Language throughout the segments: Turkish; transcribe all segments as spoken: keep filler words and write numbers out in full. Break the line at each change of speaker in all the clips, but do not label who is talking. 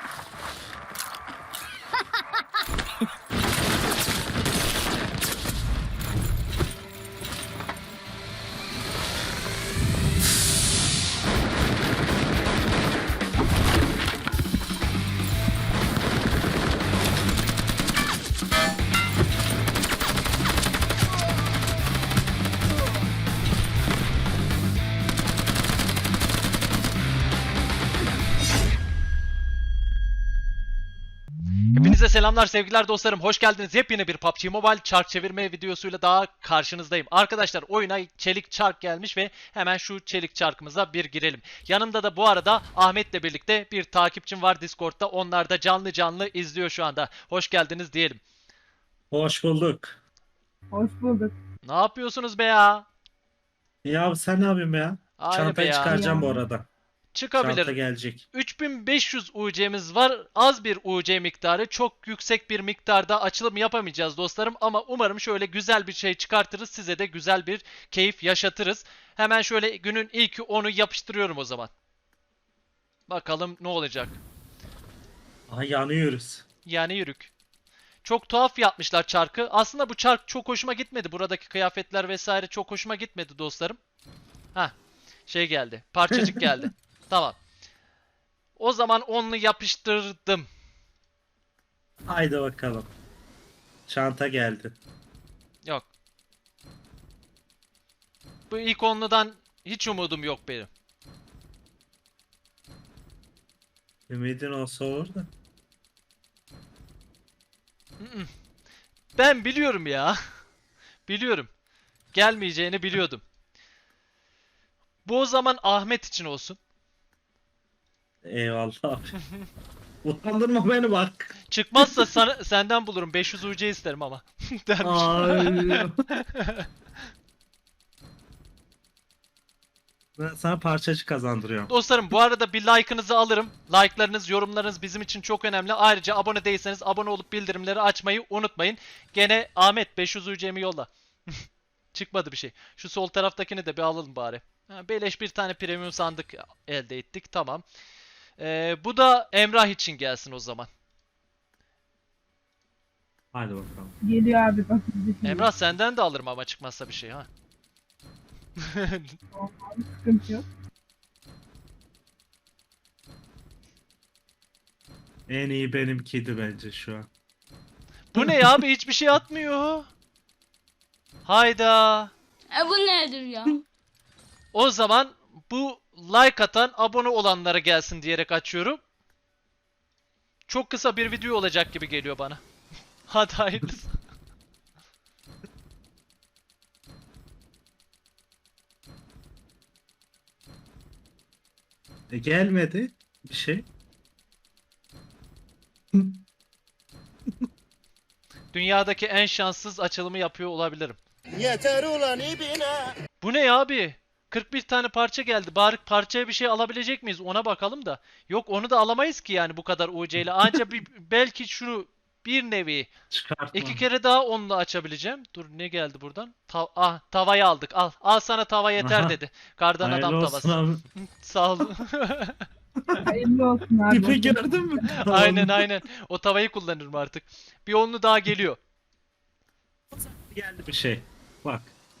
Hepinize selamlar sevgiler dostlarım. Hoş geldiniz. Yepyeni bir P U B G Mobile çark çevirme videosuyla daha karşınızdayım. Arkadaşlar oyuna çelik çark gelmiş ve hemen şu çelik çarkımıza bir girelim. Yanımda da bu arada Ahmet'le birlikte bir takipçim var Discord'da. Onlar da canlı canlı izliyor şu anda. Hoş geldiniz diyelim.
Hoş bulduk.
Hoş bulduk.
Ne yapıyorsunuz be ya?
Ya sen ne yapıyorsun ya?
Aynı
Çantayı
be ya.
çıkaracağım
Ya.
bu arada.
Çıkabilir.
Çanta gelecek.
üç bin beş yüz U C'miz var. Az bir U C miktarı. Çok yüksek bir miktarda açılım yapamayacağız dostlarım. Ama umarım şöyle güzel bir şey çıkartırız. Size de güzel bir keyif yaşatırız. Hemen şöyle günün ilk onu yapıştırıyorum o zaman. Bakalım ne olacak.
Aha yanıyoruz.
Yani yürük. Çok tuhaf yapmışlar çarkı. Aslında bu çark çok hoşuma gitmedi. Buradaki kıyafetler vesaire çok hoşuma gitmedi dostlarım. Hah. Şey geldi. Parçacık geldi. Tamam. O zaman onu yapıştırdım.
Haydi bakalım. Çanta geldi.
Yok. Bu ilk onludan hiç umudum yok benim.
Ümidin olsa olur da.
Ben biliyorum ya. Biliyorum. Gelmeyeceğini biliyordum. Bu o zaman Ahmet için olsun.
Eyvallah abi. Utandırma beni bak.
Çıkmazsa sana, senden bulurum. beş yüz U C isterim ama. Dermiş.
Ay. Ben sana parçacık kazandırıyorum.
Dostlarım bu arada bir like'ınızı alırım. Like'larınız, yorumlarınız bizim için çok önemli. Ayrıca abone değilseniz abone olup bildirimleri açmayı unutmayın. Gene Ahmet beş yüz U C'mi yolla. Çıkmadı bir şey. Şu sol taraftakini de bir alalım bari. Ha, beleş bir tane premium sandık elde ettik. Tamam. Ee, bu da Emrah için gelsin o zaman.
Hadi bakalım.
Geliyor abi bak bizi şimdi.
Emrah senden de alırım ama çıkmazsa bir şey ha.
Sıkıntı yok.
En iyi benimkiydi bence şu an.
Bu ne ya abi, hiçbir şey atmıyor. Hayda.
E bu nedir ya?
O zaman bu like atan abone olanlara gelsin diyerek açıyorum. Çok kısa bir video olacak gibi geliyor bana. Hadi hayırlısı.
E, gelmedi bir şey.
Dünyadaki en şanssız açılımı yapıyor olabilirim.
Yeter ulan ibine.
Bu ne ya abi? kırk bir tane parça geldi. Bari parçaya bir şey alabilecek miyiz? Ona bakalım da. Yok, onu da alamayız ki yani bu kadar U C ile. Anca bir, belki şunu bir nevi
Çıkartma.
iki kere daha onunla açabileceğim. Dur, ne geldi buradan? Ta ah, tavayı aldık. Al. Al sana tava yeter
Aha.
dedi. Kardan
Hayırlı
adam
olsun
tavası.
abi.
Sağ ol.
Hayırlı olsun abi.
İpi gördün mü?
Aynen aynen. O tavayı kullanırım artık. Bir onlu daha geliyor.
Geldi bir şey. Bak.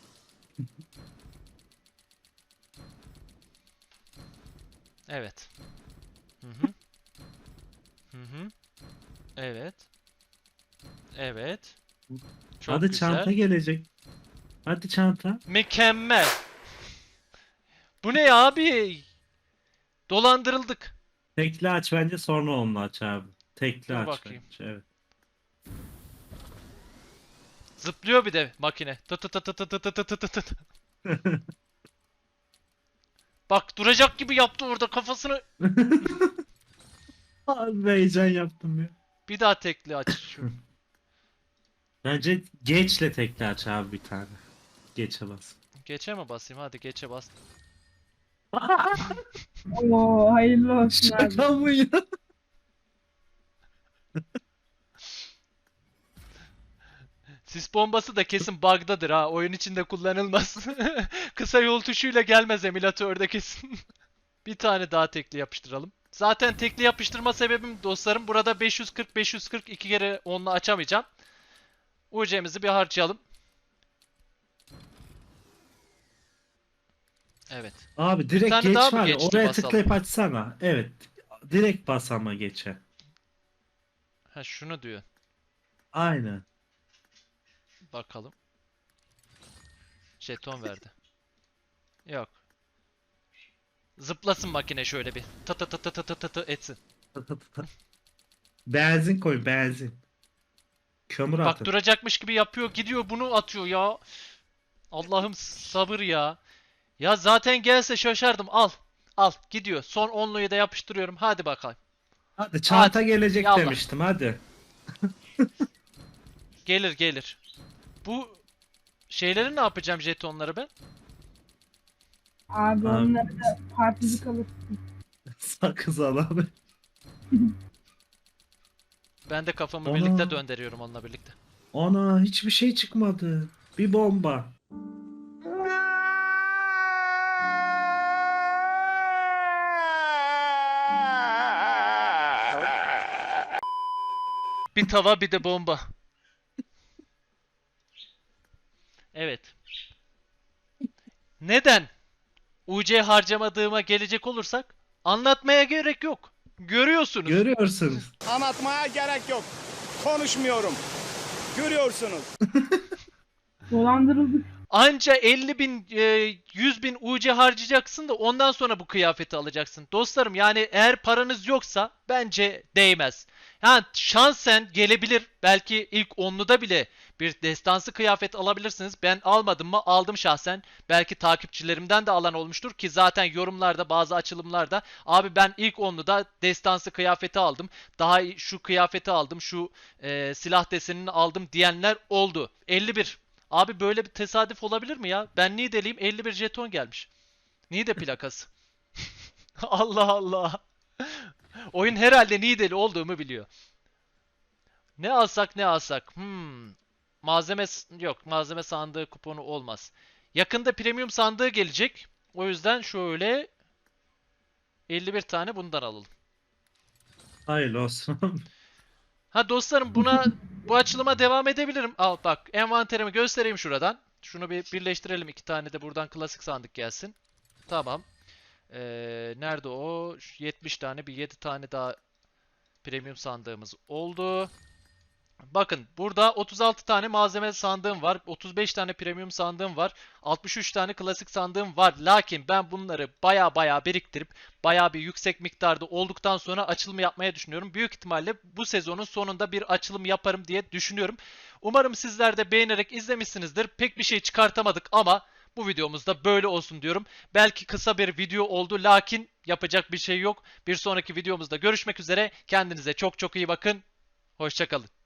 Evet. Hı hı. Hı hı. Evet. Evet. Çok
Hadi
güzel.
çanta gelecek. Hadi çanta.
Mükemmel. Bu ne ya abi? Dolandırıldık.
Tekli aç bence, sonra onunla aç abi. Tekli
Dur
aç
bakayım.
bence. Evet.
Zıplıyor bir de makine. Tı tı tı tı tı tı tı tı tı tı tı. Bak, duracak gibi yaptı orada kafasını.
Abi heyecan yaptım ya.
Bir daha tekli aç. Şu.
Bence geçle tekli aç abi bir tane. Geçe bas.
Geçe mi basayım? Hadi geçe bas.
Oo hayırlı olsun abi.
Şaka mı ya?
Sis bombası da kesin bug'dadır ha. Oyun içinde kullanılmaz. Kısa yol tuşuyla gelmez emülatörde kesin. Bir tane daha tekli yapıştıralım. Zaten tekli yapıştırma sebebim dostlarım. Burada beş yüz kırk beş yüz kırk iki kere onunla açamayacağım. U C'mizi bir harcayalım. Evet.
Abi direkt
tane daha
geç
mı
var ya,
geçti
oraya
basalım?
tıklayıp açsana. Evet. Direkt bas ama geçe.
Ha şunu diyor.
Aynen.
Bakalım. Jeton verdi. Yok. Zıplasın makine şöyle bir. Tı tı tı tı tı tı tı tı etsin.
Tı tı tı tı. Benzin koy, benzin. Kömür
Bak
atın.
duracakmış gibi yapıyor, gidiyor bunu atıyor ya. Allah'ım sabır ya. Ya zaten gelse şaşardım. Al. Al gidiyor. Son onluyu da yapıştırıyorum. Hadi bakalım.
Hadi çanta
Hadi,
gelecek
yallah.
demiştim, hadi.
Gelir gelir. Bu şeyleri ne yapacağım, jetonları ben?
Abi
Abi.
onları da particilik alırsın.
Sakız al abi.
Ben de kafamı
Ana.
birlikte döndürüyorum onunla birlikte.
Ana hiçbir şey çıkmadı. Bir bomba.
Bir tava bir de bomba. Evet. Neden U C harcamadığıma gelecek olursak anlatmaya gerek yok. Görüyorsunuz.
Görüyorsunuz.
Anlatmaya gerek yok. Konuşmuyorum. Görüyorsunuz.
Dolandırıldık.
Anca elli bin, e, yüz bin U C harcayacaksın da ondan sonra bu kıyafeti alacaksın. Dostlarım yani eğer paranız yoksa bence değmez. Yani şansen gelebilir. Belki ilk onluda bile bir destansı kıyafet alabilirsiniz. Ben almadım mı? Aldım şahsen. Belki takipçilerimden de alan olmuştur ki zaten yorumlarda bazı açılımlarda abi ben ilk onluda destansı kıyafeti aldım. Daha iyi- şu kıyafeti aldım. Şu e, silah desenini aldım diyenler oldu. elli bir. Abi böyle bir tesadüf olabilir mi ya? Ben Niğde'liyim, elli bir jeton gelmiş. Niğde plakası. Allah Allah. Oyun herhalde Niğdeli olduğumu biliyor. Ne alsak ne alsak. Hmm. Malzeme s- yok. Malzeme sandığı kuponu olmaz. Yakında premium sandığı gelecek. O yüzden şöyle elli bir tane bundan alalım.
Hayırlı olsun.
Ha dostlarım buna bu açılıma devam edebilirim. Al bak envanterimi göstereyim şuradan. Şunu bir birleştirelim. İki tane de buradan klasik sandık gelsin. Tamam. Ee, nerede o? Şu yetmiş tane bir yedi tane daha premium sandığımız oldu. Bakın burada otuz altı tane malzeme sandığım var. otuz beş tane premium sandığım var. altmış üç tane klasik sandığım var. Lakin ben bunları baya baya biriktirip baya bir yüksek miktarda olduktan sonra açılımı yapmaya düşünüyorum. Büyük ihtimalle bu sezonun sonunda bir açılım yaparım diye düşünüyorum. Umarım sizler de beğenerek izlemişsinizdir. Pek bir şey çıkartamadık ama bu videomuzda böyle olsun diyorum. Belki kısa bir video oldu lakin yapacak bir şey yok. Bir sonraki videomuzda görüşmek üzere. Kendinize çok çok iyi bakın. Hoşça kalın.